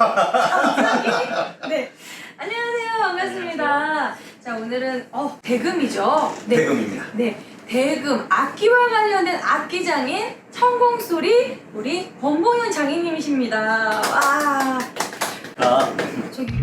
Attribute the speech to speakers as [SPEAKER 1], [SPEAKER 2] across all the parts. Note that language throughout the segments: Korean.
[SPEAKER 1] 갑자기? 네. 안녕하세요. 반갑습니다. 자, 오늘은 대금이죠. 네.
[SPEAKER 2] 대금입니다.
[SPEAKER 1] 네. 대금, 악기와 관련된 악기장인 천공소리 우리 권봉윤 장인님이십니다. 와. 저기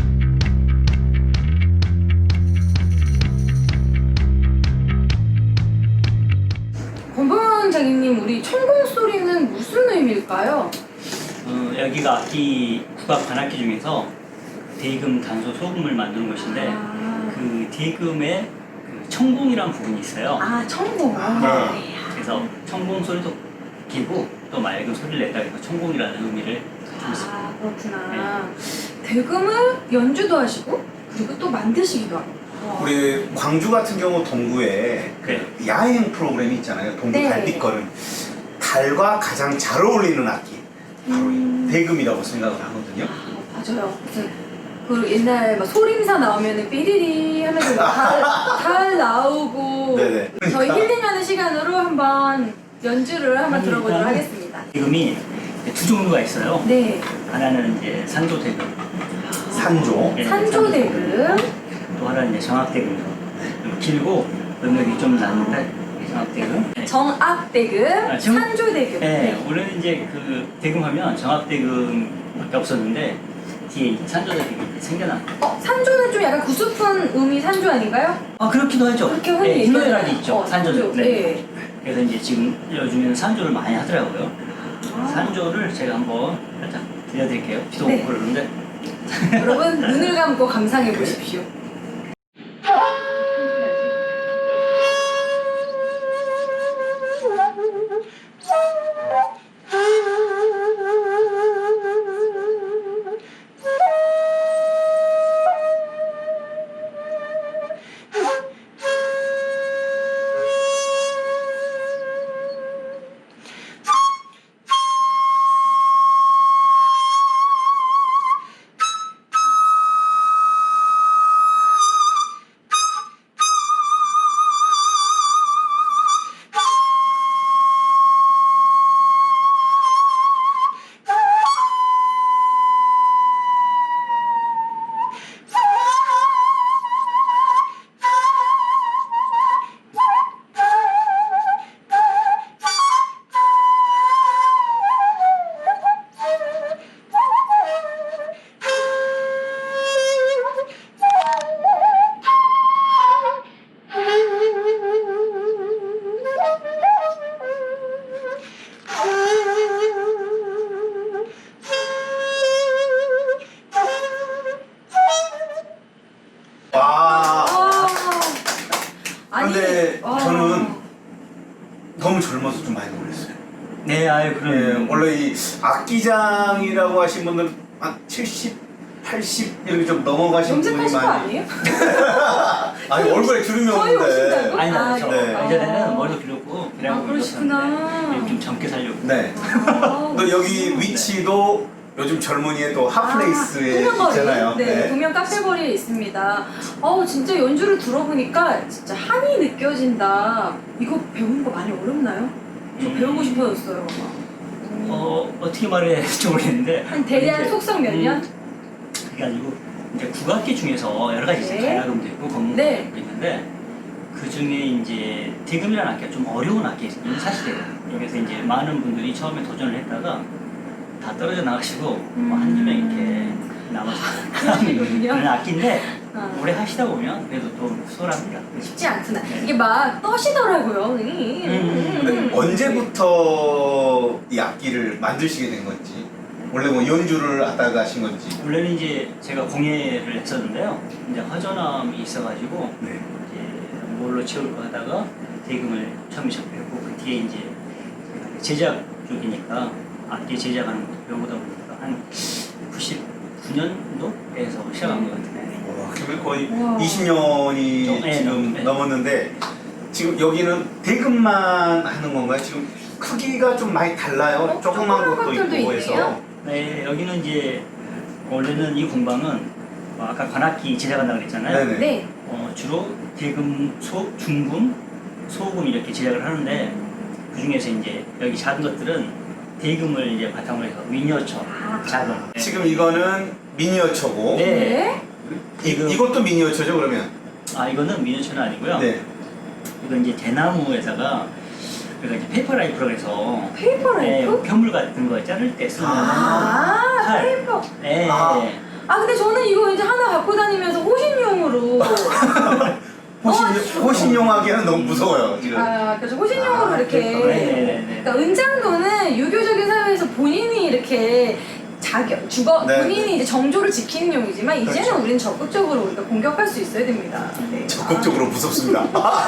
[SPEAKER 1] 권봉윤 장인님, 우리 천공소리는 무슨 의미일까요?
[SPEAKER 3] 여기가 악기, 국악 관악기 중에서 대금, 단소, 소금을 만드는 곳인데 그 대금에 그 청궁이라는 부분이 있어요.
[SPEAKER 1] 아, 천공.
[SPEAKER 3] 네. 그래서 청궁 소리도 기고 또 맑은 소리를 낸다 해서 청궁이라는 의미를 가지고 있습니다.
[SPEAKER 1] 아, 그렇구나. 대금을 연주도 하시고 그리고 또 만드시기도 하고. 와.
[SPEAKER 2] 우리 광주 같은 경우 동구에
[SPEAKER 3] 네.
[SPEAKER 2] 그 야행 프로그램이 있잖아요. 동구
[SPEAKER 1] 네.
[SPEAKER 2] 달빛걸음. 달과 가장 잘 어울리는 악기 바로 이 대금이라고 생각을 하거든요.
[SPEAKER 1] 아, 맞아요. 그 옛날 막 소림사 나오면은 삐리리 하면서 달 나오고.
[SPEAKER 2] 네네.
[SPEAKER 1] 저희 힐링하는 시간으로 한번 연주를 한번 들어보도록 하겠습니다.
[SPEAKER 3] 대금이 두 종류가 있어요.
[SPEAKER 1] 네.
[SPEAKER 3] 하나는 이제 산조 대금,
[SPEAKER 2] 산조.
[SPEAKER 3] 네,
[SPEAKER 1] 산조 대금.
[SPEAKER 3] 또 하나는 이제 정악 대금이요. 길고 음역이 좀 나는데 정악 대금. 네.
[SPEAKER 1] 정악 대금, 산조 대금.
[SPEAKER 3] 네, 원래는 이제 그 대금하면 정악 대금밖에 없었는데 뒤에 산조 대금이 생겨나.
[SPEAKER 1] 산조는 좀 약간 구수픈 음이 산조 아닌가요?
[SPEAKER 3] 아, 그렇기도 하죠.
[SPEAKER 1] 그렇게 흔히
[SPEAKER 3] 네,
[SPEAKER 1] 얘기하잖아요.
[SPEAKER 3] 희노애락이 있죠. 산조는.
[SPEAKER 1] 산조.
[SPEAKER 3] 네.
[SPEAKER 1] 네.
[SPEAKER 3] 그래서 이제 지금 요즘에는 산조를 많이 하더라고요.
[SPEAKER 1] 아.
[SPEAKER 3] 산조를 제가 한번 살짝 들려드릴게요. 비도
[SPEAKER 1] 네.
[SPEAKER 3] 오고 그러는데.
[SPEAKER 1] 여러분 눈을 감고 감상해 보십시오.
[SPEAKER 2] 와.
[SPEAKER 1] 아니,
[SPEAKER 2] 근데
[SPEAKER 1] 와.
[SPEAKER 2] 저는 너무 젊어서 좀 많이 놀랐어요.
[SPEAKER 3] 네, 아유,
[SPEAKER 2] 예,
[SPEAKER 3] 그럼.
[SPEAKER 2] 원래 이 악기장이라고 하신 분들 한 70, 80 이렇게 좀 넘어가신 분이
[SPEAKER 1] 염색하신 거
[SPEAKER 2] 많이.
[SPEAKER 1] 아니에요?
[SPEAKER 2] 아니 얼굴에 주름이
[SPEAKER 1] 거의
[SPEAKER 2] 없는데.
[SPEAKER 1] 오신다고?
[SPEAKER 3] 아니,
[SPEAKER 1] 아,
[SPEAKER 3] 저
[SPEAKER 2] 네.
[SPEAKER 3] 예전에는 머리도 길었고,
[SPEAKER 1] 아,
[SPEAKER 3] 그래갖고
[SPEAKER 1] 그러시구나.
[SPEAKER 3] 일었었는데 좀 젊게 살려고.
[SPEAKER 2] 네.
[SPEAKER 1] 아,
[SPEAKER 2] 또 여기 위치도 요즘 젊은이의 또 핫플레이스에 있잖아요.
[SPEAKER 1] 네, 동명 카페거리에 있습니다. 진짜 연주를 들어보니까 진짜 한이 느껴진다. 이거 배우는 거 많이 어렵나요? 저 배우고 싶어졌어요.
[SPEAKER 3] 어떻게 말해야지 모르겠는데.
[SPEAKER 1] 한 대략
[SPEAKER 3] 이제,
[SPEAKER 1] 속성 몇 년?
[SPEAKER 3] 그래가지고, 이제 국악기 중에서 여러 가지 있어요.
[SPEAKER 1] 네.
[SPEAKER 3] 가야금도 있고, 건무도
[SPEAKER 1] 네.
[SPEAKER 3] 있는데, 그 중에 이제 대금이라는 악기가 좀 어려운 악기예요. 사실이에요. 그래서 이제 많은 분들이 처음에 도전을 했다가 다 떨어져 나가시고 뭐 한두 명 이렇게 남아서
[SPEAKER 1] 그러시군요.
[SPEAKER 3] 그런 악기인데
[SPEAKER 1] 아.
[SPEAKER 3] 오래 하시다 보면 그래도 좀 수월합니다.
[SPEAKER 1] 쉽지 않구나.
[SPEAKER 3] 네.
[SPEAKER 1] 이게 막 떠시더라고요.
[SPEAKER 2] 근데 언제부터 이 악기를 만드시게 된 건지, 원래 뭐 연주를 하다가 하신 건지.
[SPEAKER 3] 원래는 이제 제가 공예를 했었는데요. 이제 화전함이 있어가지고
[SPEAKER 2] 네.
[SPEAKER 3] 이제 뭘로 채울까 하다가 대금을 처음에 접했고 그 뒤에 이제 제작 쪽이니까 악기 제작하는 것도 배우다 보니까 한 99년도에서 시작한 것 같은데.
[SPEAKER 2] 와, 그러면 거의
[SPEAKER 1] 우와.
[SPEAKER 2] 20년이
[SPEAKER 3] 네,
[SPEAKER 2] 지금
[SPEAKER 3] 네.
[SPEAKER 2] 넘었는데, 지금 여기는 대금만 하는 건가요? 지금 크기가 좀 많이 달라요. 조그만
[SPEAKER 1] 조그만
[SPEAKER 2] 것도
[SPEAKER 1] 것들도
[SPEAKER 2] 있고 해서.
[SPEAKER 1] 있네요.
[SPEAKER 3] 네, 여기는 이제 원래는 이 공방은 아까 관악기 제작한다고 그랬잖아요.
[SPEAKER 2] 네네.
[SPEAKER 1] 네.
[SPEAKER 3] 주로 대금, 중금, 소금 이렇게 제작을 하는데 그 중에서 이제 여기 작은 것들은 대금을 이제 바탕으로 해서 미니어처 작은.
[SPEAKER 2] 지금 이거는 미니어처고
[SPEAKER 3] 네.
[SPEAKER 2] 이것도 미니어처죠 그러면?
[SPEAKER 3] 아 이거는 미니어처는 아니고요.
[SPEAKER 2] 네.
[SPEAKER 3] 이건 이제 대나무에다가 그러니까 이제 페이퍼 라이프라고 해서
[SPEAKER 1] 페이퍼 라이프?
[SPEAKER 3] 편물 같은 거 자를 때 쓰는 칼.
[SPEAKER 1] 페이퍼.
[SPEAKER 3] 네.
[SPEAKER 1] 근데 저는 이거 이제 하나 갖고 다니면서 호신용으로.
[SPEAKER 2] 호신용하기에는 너무 무서워요 지금.
[SPEAKER 1] 그래서 호신용으로 이렇게.
[SPEAKER 3] 네네네.
[SPEAKER 1] 그러니까 은장도는 유교적인 사회에서 본인이 이렇게
[SPEAKER 2] 네.
[SPEAKER 1] 본인이 이제 정조를 지키는 용이지만 이제는
[SPEAKER 2] 그렇죠.
[SPEAKER 1] 우리는 적극적으로 우리가 공격할 수 있어야 됩니다. 네.
[SPEAKER 2] 적극적으로 무섭습니다.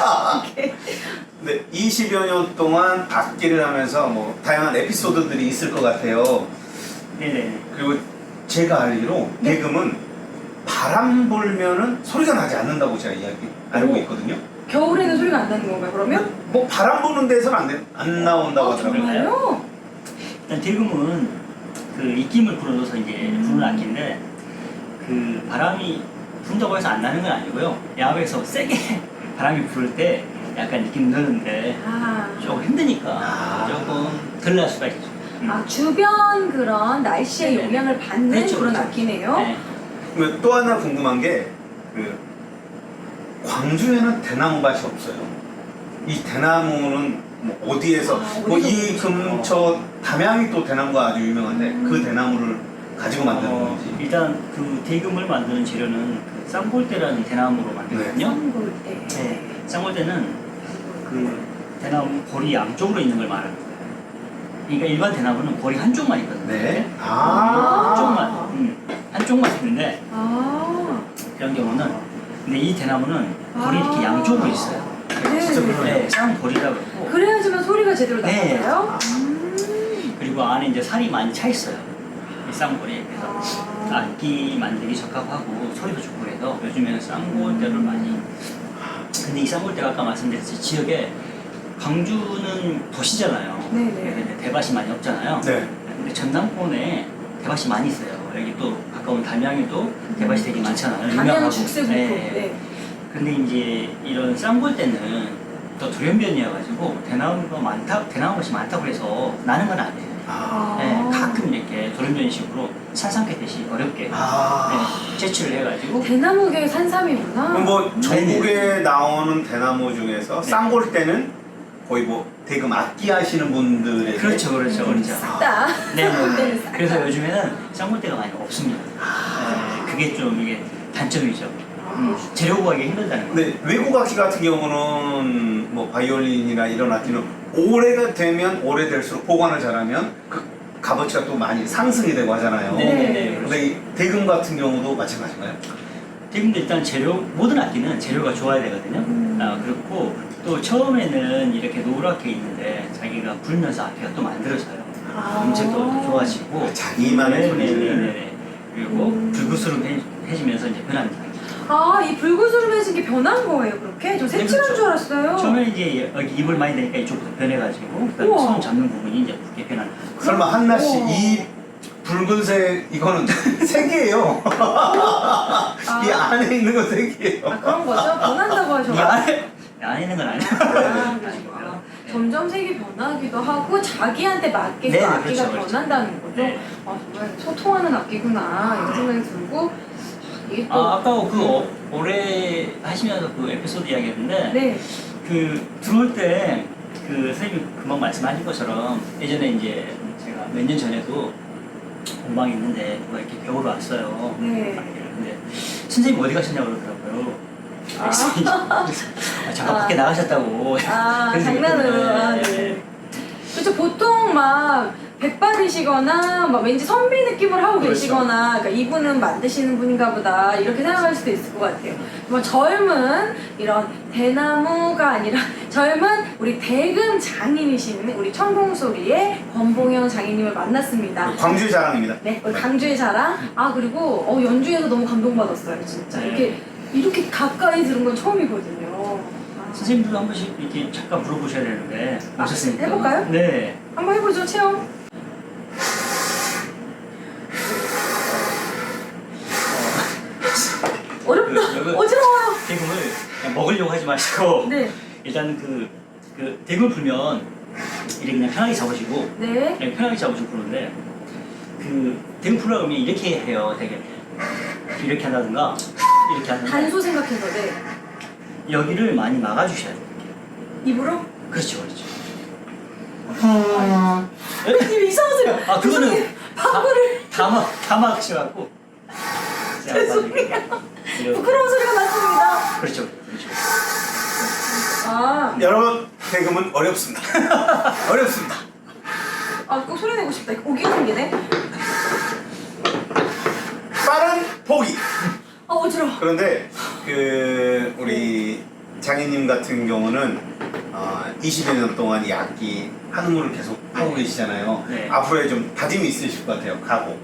[SPEAKER 2] 네, 20여 년 동안 악기를 하면서 뭐 다양한 에피소드들이 있을 것 같아요.
[SPEAKER 3] 네네.
[SPEAKER 2] 그리고 제가 알기로
[SPEAKER 1] 네.
[SPEAKER 2] 대금은 바람 불면은 소리가 나지 않는다고 제가 알고 있거든요.
[SPEAKER 1] 겨울에는 소리가 안 나는 건가요, 그러면?
[SPEAKER 2] 뭐 바람 부는 데서는 안 나온다고 하더라고요.
[SPEAKER 1] 정말요?
[SPEAKER 3] 일단 대금은 그 입김을 불어줘서 이제 부는 악기인데 그 바람이 분다고 해서 안 나는 건 아니고요. 야외에서 세게 바람이 불 때 약간 느낌 드는데 조금 힘드니까 조금 덜 날 수가 있죠.
[SPEAKER 1] 주변 그런 날씨의
[SPEAKER 3] 네네.
[SPEAKER 1] 영향을 받는
[SPEAKER 3] 그렇죠,
[SPEAKER 1] 그런
[SPEAKER 3] 그렇죠.
[SPEAKER 1] 악기네요.
[SPEAKER 3] 네.
[SPEAKER 2] 그리고 또 하나 궁금한 게 광주에는 대나무밭이 없어요. 이 대나무는 뭐 어디에서 뭐 이 근처 담양이 또 대나무가 아주 유명한데 그 대나무를 가지고 만드는 건지.
[SPEAKER 3] 일단 그 대금을 만드는 재료는 그 쌍골대라는 대나무로 만들거든요.
[SPEAKER 1] 쌍골대.
[SPEAKER 3] 네. 쌍골대는 그 대나무 골이 양쪽으로 있는 걸 말하는 거예요. 그러니까 일반 대나무는 골이 한쪽만 있거든요.
[SPEAKER 2] 네.
[SPEAKER 3] 한쪽만 있는데 이런 경우는 근데 이 대나무는 골이 이렇게 양쪽으로 있어요.
[SPEAKER 1] 네.
[SPEAKER 2] 진짜 그러네요.
[SPEAKER 3] 네, 쌍골이라고 그러고
[SPEAKER 1] 그래야지만 소리가 제대로
[SPEAKER 3] 네.
[SPEAKER 1] 나요.
[SPEAKER 3] 그리고 안에 이제 살이 많이 차 있어요. 이 쌍골이. 그래서 악기 만들기 적합하고 소리도 좋고 해서 요즘에는 쌍골대를 많이. 근데 이 쌍골대가 아까 말씀드렸듯이 지역에 광주는 도시잖아요.
[SPEAKER 1] 네네.
[SPEAKER 3] 그래서 이제 대밭이 많이 없잖아요.
[SPEAKER 2] 네.
[SPEAKER 3] 근데 전남권에 대밭이 많이 있어요. 여기 또 가까운 담양에도 대밭이 되게 많잖아요.
[SPEAKER 1] 담양
[SPEAKER 3] 유명하고.
[SPEAKER 1] 죽새국도.
[SPEAKER 3] 네.
[SPEAKER 1] 네.
[SPEAKER 3] 근데 이제 이런 쌍골대는 또 돌연변이어가지고 대나무밭이 많다고 해서 나는 건 아니에요. 네, 가끔 이렇게 돌연변이식으로 산삼캐듯이 어렵게 채취를 해가지고
[SPEAKER 1] 대나무계 산삼이구나.
[SPEAKER 2] 그럼 뭐 전국에 나오는 대나무 중에서
[SPEAKER 3] 네.
[SPEAKER 2] 쌍골대는 거의 뭐 대금 악기 하시는 분들에게
[SPEAKER 3] 그렇죠.
[SPEAKER 1] 싹다.
[SPEAKER 3] 네.
[SPEAKER 1] 쌍골대는 싹 다.
[SPEAKER 3] 그래서 요즘에는 쌍골대가 많이 없습니다. 네, 그게 좀 이게 단점이죠. 재료 구하기 힘들다는 거.
[SPEAKER 2] 근데 외국 악기 같은 경우는 뭐 바이올린이나 이런 악기는 오래가 되면 오래될수록 보관을 잘하면 그 값어치가 또 많이 상승이 되고 하잖아요.
[SPEAKER 3] 네네네.
[SPEAKER 2] 근데 이 대금 같은 경우도 마찬가지인가요?
[SPEAKER 3] 지금도 일단 모든 악기는 재료가 좋아야 되거든요. 그렇고 또 처음에는 이렇게 노랗게 있는데 자기가 불면서 악기가 또 만들어져요. 음색도 더 좋아지고
[SPEAKER 2] 자기만의 소리를.
[SPEAKER 3] 네네네. 그리고 불구스름해지면서 이제 변합니다.
[SPEAKER 1] 이 불구스름해진 게 변한 거예요, 그렇게? 저 색칠한
[SPEAKER 3] 그렇죠.
[SPEAKER 1] 줄 알았어요.
[SPEAKER 3] 처음에 이제 여기 입을 많이 대니까 이쪽부터 변해가지고 그다음에
[SPEAKER 1] 우와.
[SPEAKER 3] 손 잡는 부분이 이제 붉게 변하는 거예요.
[SPEAKER 2] 설마 한나 씨
[SPEAKER 1] 우와.
[SPEAKER 2] 이 붉은색 이거는 색이에요. 이 안에 있는 건 색이에요.
[SPEAKER 1] 그런 거죠? 변한다고
[SPEAKER 3] 이
[SPEAKER 1] 하셔가지고.
[SPEAKER 3] 안에 있는 건 아니에요.
[SPEAKER 1] 그러시구나. 점점 색이 변하기도 하고 자기한테 맞게 그
[SPEAKER 3] 네,
[SPEAKER 1] 악기가
[SPEAKER 3] 그렇죠.
[SPEAKER 1] 변한다는 거죠.
[SPEAKER 3] 네.
[SPEAKER 1] 정말 소통하는 악기구나 이런 생각이 들고 이게 또
[SPEAKER 3] 아까 그 올해 하시면서 그 에피소드 이야기했는데
[SPEAKER 1] 네.
[SPEAKER 3] 그 들어올 때 그 선생님이 금방 말씀하신 것처럼 예전에 이제 제가 몇 년 전에도 공방이 있는데 누가 이렇게 배우러 왔어요.
[SPEAKER 1] 네.
[SPEAKER 3] 근데 선생님 어디 가셨냐고 그러더라고요. 잠깐 밖에 나가셨다고. 그래서
[SPEAKER 1] 장난으로.
[SPEAKER 3] 그랬는데,
[SPEAKER 1] 네. 그렇죠. 보통 막 백발이시거나 막 왠지 선비 느낌을 하고
[SPEAKER 2] 그렇죠.
[SPEAKER 1] 계시거나 그러니까 이분은 만드시는 분인가 보다 이렇게 생각할 수도 있을 것 같아요. 뭐 젊은 이런 대나무가 아니라 젊은 우리 대금 장인이신 우리 천공소리의 권봉영 장인님을 만났습니다.
[SPEAKER 2] 광주의 자랑입니다.
[SPEAKER 1] 네, 우리 강주의 자랑. 그리고 연주에서 너무 감동받았어요, 진짜.
[SPEAKER 3] 네.
[SPEAKER 1] 이렇게 가까이 들은 건 처음이거든요.
[SPEAKER 3] 선생님들도 한 번씩 이렇게 잠깐 물어보셔야 되는데 오셨으니까.
[SPEAKER 1] 해볼까요?
[SPEAKER 3] 네.
[SPEAKER 1] 한번 해보죠, 체험. 어렵다. 어지러워요.
[SPEAKER 3] 대금을 그냥 먹으려고 하지 마시고
[SPEAKER 1] 네.
[SPEAKER 3] 일단 그 대금을 불면 이렇게 그냥 편하게 잡으시고
[SPEAKER 1] 네.
[SPEAKER 3] 네, 편하게 잡으시고 그러는데 그 대응 프로그램이 이렇게 해요. 되게 이렇게 한다든가 이렇게 한다든가
[SPEAKER 1] 단소 생각해서 네.
[SPEAKER 3] 여기를 많이 막아주셔야 돼요.
[SPEAKER 1] 입으로?
[SPEAKER 3] 그렇죠, 그렇죠.
[SPEAKER 1] 선생님 이상한 소리.
[SPEAKER 3] 아 그거는
[SPEAKER 1] 방구를
[SPEAKER 3] 다 막으셔갖고
[SPEAKER 1] 죄송해요. 부끄러운 소리가 났습니다.
[SPEAKER 3] 그렇죠, 그렇죠.
[SPEAKER 1] 아,
[SPEAKER 2] 여러분 대금은 어렵습니다. 어렵습니다.
[SPEAKER 1] 꼭 소리 내고 싶다. 오기 생기네.
[SPEAKER 2] 빠른 포기.
[SPEAKER 1] 어지러워.
[SPEAKER 2] 그런데 그 우리 장인님 같은 경우는 20여 년 동안 이 악기 한우물을 계속 하고 계시잖아요.
[SPEAKER 3] 네.
[SPEAKER 2] 앞으로에 좀 다짐이 있으실 것 같아요. 각오.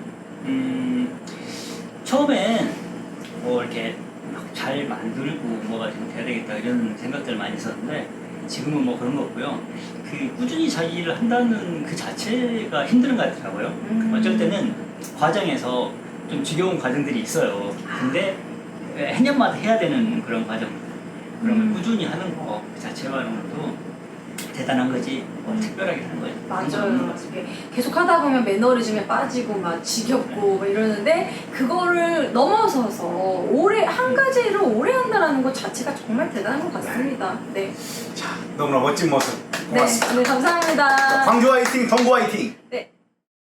[SPEAKER 3] 처음엔 뭐 이렇게 막 잘 만들고 뭐가 좀 돼야 되겠다 이런 생각들 많이 있었는데 지금은 뭐 그런 거 없고요. 그 꾸준히 자기를 한다는 그 자체가 힘든 것 같더라고요. 어쩔 때는 과정에서 좀 지겨운 과정들이 있어요. 근데 해년마다 해야 되는 그런 과정. 그러면 꾸준히 하는 거 그 자체만으로도 대단한 거지 뭐 특별하게 하는 거지.
[SPEAKER 1] 맞아요. 이게 계속 하다 보면 매너리즘에 빠지고 막 지겹고 막 이러는데 그거를 넘어서서 오래 한 가지를 오래 한다는 것 자체가 정말 대단한 것 같습니다. 네.
[SPEAKER 2] 자, 너무나 멋진 모습
[SPEAKER 1] 네,
[SPEAKER 2] 고맙습니다.
[SPEAKER 1] 네 감사합니다.
[SPEAKER 2] 광주 화이팅, 동구 화이팅.
[SPEAKER 1] 네.